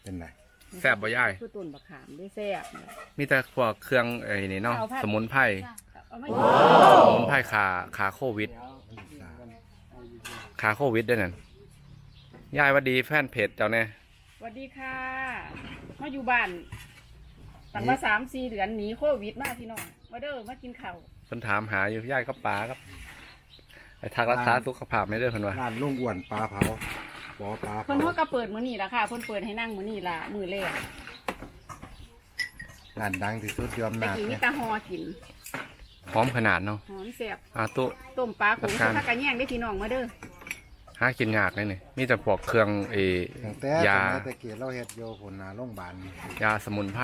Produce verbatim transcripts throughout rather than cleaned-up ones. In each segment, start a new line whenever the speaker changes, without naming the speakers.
เป็นไร
แซ่บบ่ย่าย
คือต้นบักขามได้แซ่บ
มีแต่พวกเครื่องไอ้นี่เนาะสมุนไพรสมุนไพรขาขาโควิดขาโควิดด้วยนั่นยายวัดดีแฟนเพจเจ้าเนี่ย
สวัสดีค่ะมาอยู่บ้านตั้งมาสามสี่เดือนหนีโควิดมาพี่น้องมาเด้อมากินข้าว
เพิ่นถามหาอยู่ยายก็ปลาครับไอ้ทักรักษาสุขภาพไม่ได้เพิ่นว่า
ร้านลุงอ้วนปลาเผาปอปลา
เพิ่นเขาก็เปิดมื้อนี้ละค่ะเพิ่นเปิดให้นั่งมื้อนี้ละมื้อแรก
ร้านดังที่สุดยอมนา
แต่กินมี
เนี่ย
ตาฮอกิน
หอมขนาดเนาะ
หอมแซ่บ
อาตุ
ต้มปลาขุ่นผักกระแยงได้พี่น้องมาเด้อ
หากินยากเลยนี่มีแต่พวกเครื่องเอยา
แต่เกียเราเฮ็ดโยผลนาโรงพยาบาล
ยาสมุนไพร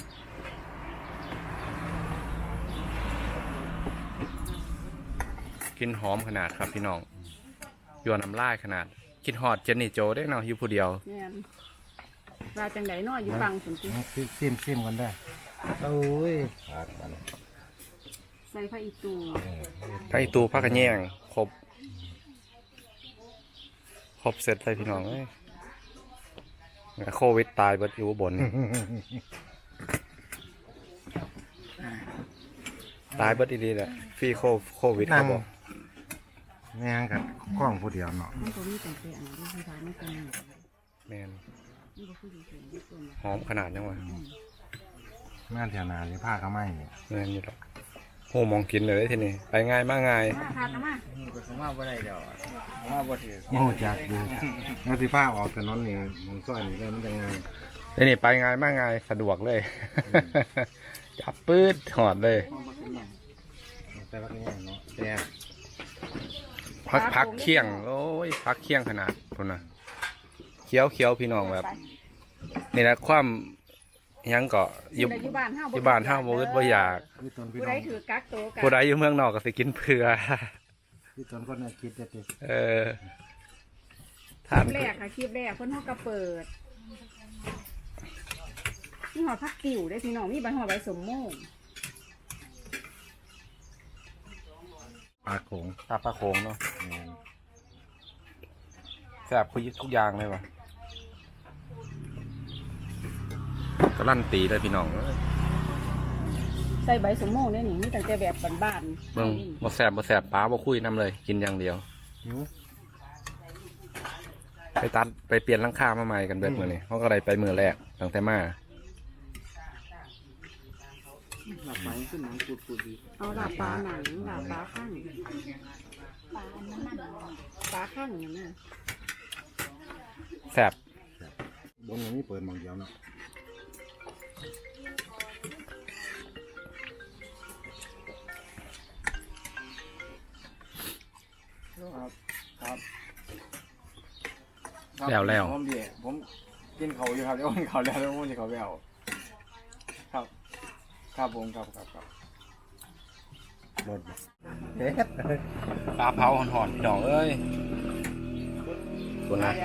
กินหอมขนาดครับพี่น้องยวนน้ำลายขนาดคิดฮอดเจนนี่โจได้เนาะอยู่ผู้เดียว
เนี่ยราจังไดเนาะอยู่ฟังสุนทร
ซิมซิมกันได้โอ้ย
ใส่ผ้าอีตู
ผ้าอีตูผ้ากระแยงครบครบเสร็จเลยพี่น้องเอ้ยโควิดตายเบิดอยู่บนตายเบิดดีๆแหละฟรีโควิดเขาบอก
แม่งกับกล้องผู้เดียวเนาะ
แมนหอมขนาดยังวะ
แม่นแถวนานี่ผ้าก็ไม่
แมนอยู่แล้วโหมองกินเลยทีนี้ไปง่ายมากง่าย
มาทานมา
ผมว่าบ่ได้เดี๋ยวผมว่าบ่ถือ
โอ้จักดูแล้วที่ผ้าออกถนนนี่มองซ้อยนี่ได้มันยังไง
นี่ไปง่ายมากง่ายสะดวกเลยจับปื๊ดถอดเลย
แต่ว่าเนี่ยเนาะแต่
พักพักเคี่ยงโอ้ยพักเคี่ยงขนาดคนน่ะเคี้ยวเคี้ยวพี่น้องแบบนี่นะความยังเกาะอยู่อยู่บ้านห้าวโมกบ่อยาก
ผู้ใดถือกักโตกัน
ผู้ใดอยู่เมืองนอกก็สิกินเผื่อ
พี่ตนก็น่าคิดจะติ
เออ
คลิปแรกค่ะคลิปแรกเพิ่นเขาก็เปิดนี่หอพักติ๋วได้พี่น้องมีใบหอใบสมโม่
ปลาโขง
ปลาปลาโขงเนาะแซ่บคุยทุกอย่างเลยวะก็ลั่นตีเลยพี่น้อง
ใส่ใบสมโม่เนี่ยนี่มีแต่แต่แบบบ้าน
ๆเบิ่งบ่แซ่บบ่แซ่บปลาบ่คุยน้ำเลยกินอย่างเดียวไปตัดไปเปลี่ยนหลังคามาใหม่กันเบิดมื้อนี้เขาก็ได้ไปมื้อแรกตั้งแต่มา
หลับไปขึ้นหนังปูดๆดี
เอาหลับปลาหนังหลับปลาข้างปลาปลาข้างอย่างนี้
แซ่
บบนนี้เปิดมองเดียวเนาะ
ครับครับ
แล้วแล้ว
ผมดีผมกินเขาอยู่ครับเดี๋ยวกินเขาแล้วแล้วผมจะเขาไปเอาครับครับผมครับครับครับ
หมด
เฮ็ดปลาเผาหอนๆพี่น้องเอ้ยคุณนะ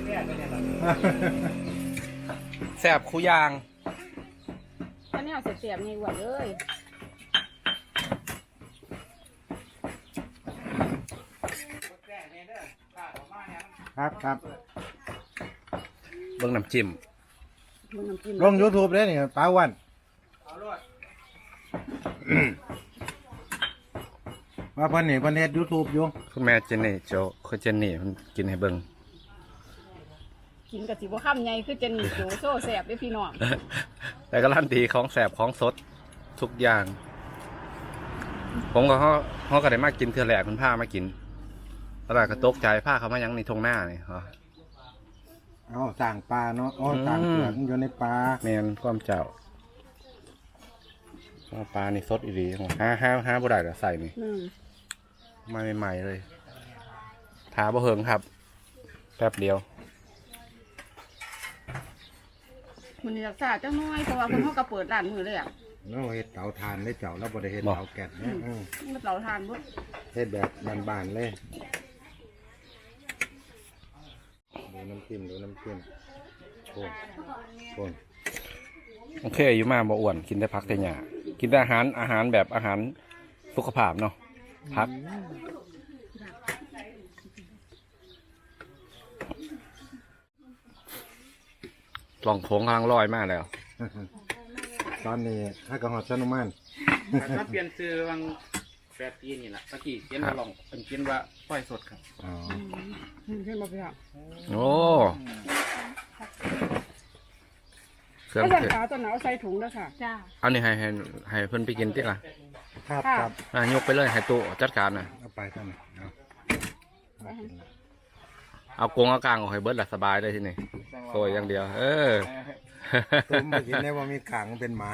แซ่บคู่ยาง
อันนี้เอาเสียบๆไงหวานเลย
ครับครับ
เบิ่งน้ำจิ้ม
ลงยูทูบเลยนี่ปลาวันว่าเพิ่นนี่เพิ่นเฮ็ดยูทูบอยู่
คุณแม่เจนนี่โจคือเจนนี่มันกินให้เบิ่ง
กินกับสิบ่ค่ำไงคือเจนนี่โจโซ่แสบด้วยพี่น้อง
แต่ก็ลั่นตีของแสบของสดทุกอย่างผมก็เขาเขาก็ได้มากินเทื่อแรกคุณผ้ามากินตลาดกระตกใจผ้าเขามายังในทงหน้านี่เหรอ
อ๋อต่างปลาเนาะอ๋อต่างเปลือกอยู่ในปลา
แมนความเจ้าปลานี่สดอีดีห้าห้าห้าบุได้แต่ใส่นี่มาใหม่ๆเลยถาบ่เหิงครับแป๊บเดียว
มันรักษาเจ้าน้อยเพราะว่าคนเขาก็เปิดร้านมือเลยอ่ะ
เราเฮ็ดเตาถ่านได้เจ้าแล้วบ่ได้เฮ็ดเตาแก๊สเนี่ย
เตาถ่านบุ๊
เฮ็ดแบบบานๆเลยดูน้ำจิ้มดูน้ำจิ้มโอ้โห
โอเคอยู่มาบ่อ้วนกินได้พักแต่หยากินได้อาหารอาหารแบบอาหารสุขภาพเนาะพักลองโค้งกำลังลอยมากแล้ว
ตอนนี้ถ้ากระหอดชนุมาน
ถ้าเปลี่ยนซื้อวังแปดปีนี่แหละตะกี้เขียนว่าลองเป็นเขียนว่าป้อยสดครับ
อ๋อ
ขึ้นมาพี่น้อง
โอ้เครื่อง
ก็
เท
สั่ง
ศ
ขาวตัวหนาวใส่ถุงแล้วค่ะ
จ้า
เอานี่ให้ให้ให้เพิ่นไปกินติล่ะ
ครับครับ
อ่ะยกไปเลยให้ตู้จัดการน่ะ
เอาไปท่านเอาเอากินละ
เอากงเอากลางออกให้เบิดละสบายเลยที่นี่โอยอย่างเดียว เออ
ตุ้มมากินได้ว่ามีขางเป็นหมา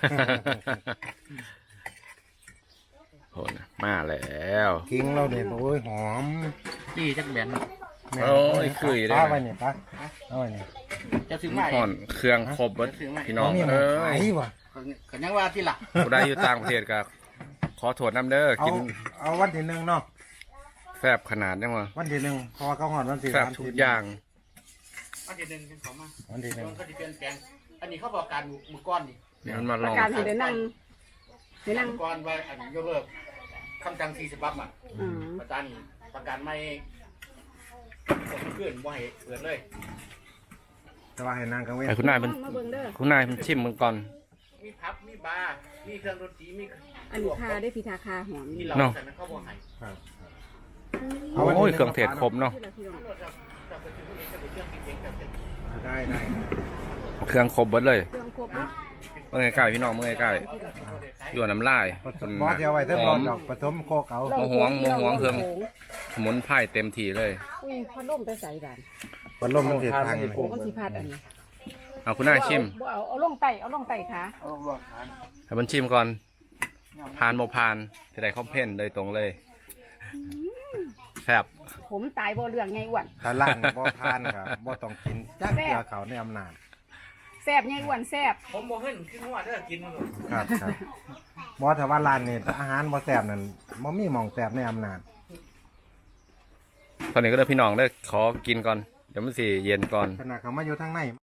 โหนะมาแล้ว
กิ้งเราเนี่ยโอ้ยหอม
จี้จักแบน
แม่
โอ้ยคุยได้
ป้าไปเนี่ยป้าเอาไปเนี่ย
จะซื้อมา
ห่อนเครื่องครบเบิดพี่น้อง
มีห
เอ
มู
อ
ขายว่ะ
ก็ยังว่าที่หลัก
ผู้ใดอยู่ต่างประเทศก็ขอโทษน้ำเด้อ
เอา
กิน
เอาวันที่หนึ่งเนาะ
แซ่บขนาดยังวะ
วันที่หนึ่งเพราะว่าเขาหอดวันที่
แซ่บ
สาม
ทุก
สิบ
อย่าง
อันที่หนึ่งเป็นของมา
วันที่หนึ่ง
มันก็จะเปลี่ยนแปลงอันนี้เขาบอกการมือก้อนนี่
เดี๋ยวมันมา
ป
ล
ระ
อง
กาศให้ได้นั่งให้นั่ง
มือก้อนว่าอันยกเลิกคำจังสี่สิบบับอ่ะ
อืม
ประจานประกันไม่ขึ้นว่าให้เปิดเลย
แต่ว่าให้นางกังเว้น
ไอ้คุณนายเป็น
มาเบิ่งเด้อ
คุณนายเป็นชิมมันก่อน
มีพับมีบาร์มีเครื่องดนตรีมี
อันนี้คาได้พิธาคาหอม
ที่
นี่
เรา
เนาะ
ใส่มันเข้าบ่ให้
ครับ
โอ้ยเครื่องเทศครบเนาะ
ที่ละพี่น้อง
จะไปถึงพวกนี้จะไปเครื่องกินเองกับเสร็จ
ได้ได้
เครื่องครบเบิดเลย
เครื่องครบเนาะ
เมื่อไงใกล้พี่น้องเมื่อไงใกล้อยู่น้ำลาย
ผสมบอสเดียวไว้เท่า
ห
ร
อ
อ
ม
ดอกผสมโคกเอา
โมหวงโมหวงเครื่อง สมุนไพรเต็มที่เลย
อุ้ยพัดลมไปใส่บ้าน
พัดลมมันเสียทางเลย
โอ้มันสิพัดอันนี้
เอาคุณนายชิม
บ่เอาเอาลงไตเอาลงไตขา
เอาลวกทาน
ให้มันชิมก่อนพานโมพานจะได้คอมเพนเลยตรงเลยแซ่บ
ผมตายบ่เรื่องไงอ้วน
ถ้าล่างบ่ทานครับบ่ต้องกินจักเกลือเขาในอำนาจ
แซ่บไงอ้วนแซ่บ
ผมบอกให้ขึ้นหัวเด้อกินมัน
ครับครับบ่ถ้าว่าร้านนี่อาหารบ่แซ่บนั่นบ่มีหม่องแซ่บในอำนาจ
ตอนนี้ก็เด้อพี่น้องเด้อขอกินก่อน เดี๋ยวมันสิเย็นก่อน
ขณะเขามาอยู่ทางใน